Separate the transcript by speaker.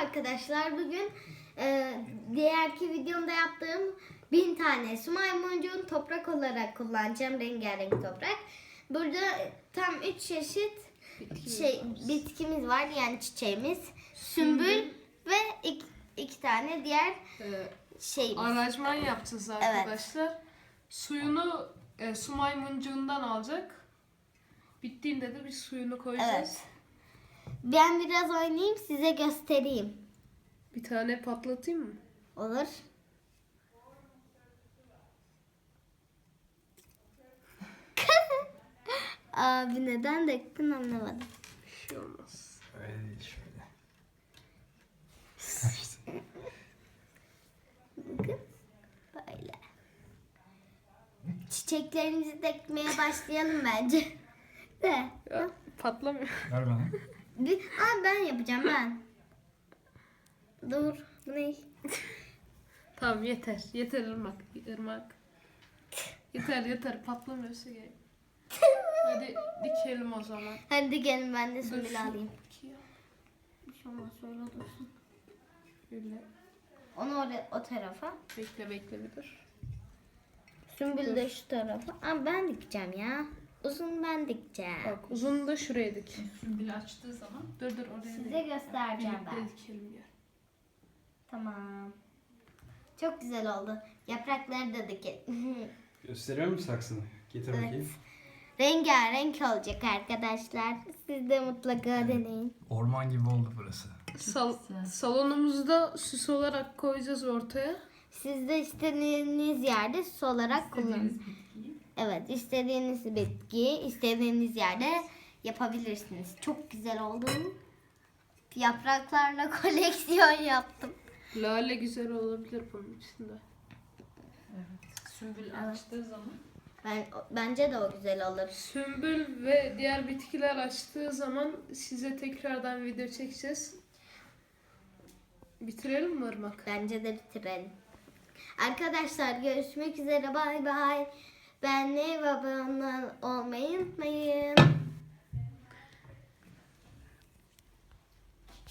Speaker 1: arkadaşlar. Bugün diğerki videomda yaptığım 1000 tane su maymuncuğun toprak olarak kullanacağım. Rengarenk toprak. Burada tam 3 çeşit bitkimiz var. Yani çiçeğimiz. Sümbül ve iki tane diğer şeyimiz.
Speaker 2: Aranjman yapacağız arkadaşlar. Evet. Suyunu su maymuncuğundan alacak. Bittiğinde de bir suyunu koyacağız.
Speaker 1: Evet. Ben biraz oynayayım, size göstereyim.
Speaker 2: Bir tane patlatayım mı?
Speaker 1: Olur. Abi neden döktün anlamadım.
Speaker 2: Bir şey olmaz.
Speaker 3: Öyle değil şöyle.
Speaker 1: Bakın. Böyle. Çiçeklerimizi dökmeye başlayalım bence. De.
Speaker 2: Ya, patlamıyor.
Speaker 3: Ver bana.
Speaker 1: Ben yapacağım ben. Dur. Bu ne?
Speaker 2: Tamam yeter. Yeter ırmak. Yeter patlamıyorsa gerek. Hadi dikelim o zaman.
Speaker 1: Hadi gelin ben de
Speaker 2: Dur
Speaker 1: sümbül
Speaker 2: şu
Speaker 1: alayım.
Speaker 2: dikiyor.
Speaker 1: Bir şey olmaz şöyle dursun.
Speaker 2: Şöyle.
Speaker 1: Onu oraya, o tarafa.
Speaker 2: Bekle bir dur.
Speaker 1: Sümbül de şu tarafa. Ama ben dikeceğim ya. Uzun ben dikeceğim.
Speaker 2: Bak uzunu da şuraya dik.
Speaker 4: Sümbül açtığı zaman
Speaker 2: Dur oraya
Speaker 1: Size
Speaker 2: dik.
Speaker 1: göstereceğim ben.
Speaker 2: Birlikte dikelim gel.
Speaker 1: Tamam. Çok güzel oldu. Yaprakları da dikelim.
Speaker 3: Gösteriyor musun saksını? Getir
Speaker 1: Evet.
Speaker 3: bakayım.
Speaker 1: Rengarenk olacak arkadaşlar. Siz de mutlaka deneyin.
Speaker 3: Orman gibi oldu burası.
Speaker 2: Salonumuzda süs olarak koyacağız ortaya.
Speaker 1: Siz de istediğiniz yerde süs olarak kullanın.
Speaker 4: istediğiniz bitkiyi
Speaker 1: Evet, istediğiniz bitkiyi istediğiniz yerde yapabilirsiniz. Çok güzel oldu. Yapraklarla koleksiyon yaptım.
Speaker 2: Lale güzel olabilir bunun içinde.
Speaker 4: sümbül açtığı zaman
Speaker 1: Bence de o güzel olur.
Speaker 2: Sümbül ve diğer bitkiler açtığı zaman size tekrardan video çekeceğiz. Bitirelim mi Irmak?
Speaker 1: Bence de bitirelim. Arkadaşlar görüşmek üzere. Bay bay. Beğenmeyi ve abone olmayı unutmayın.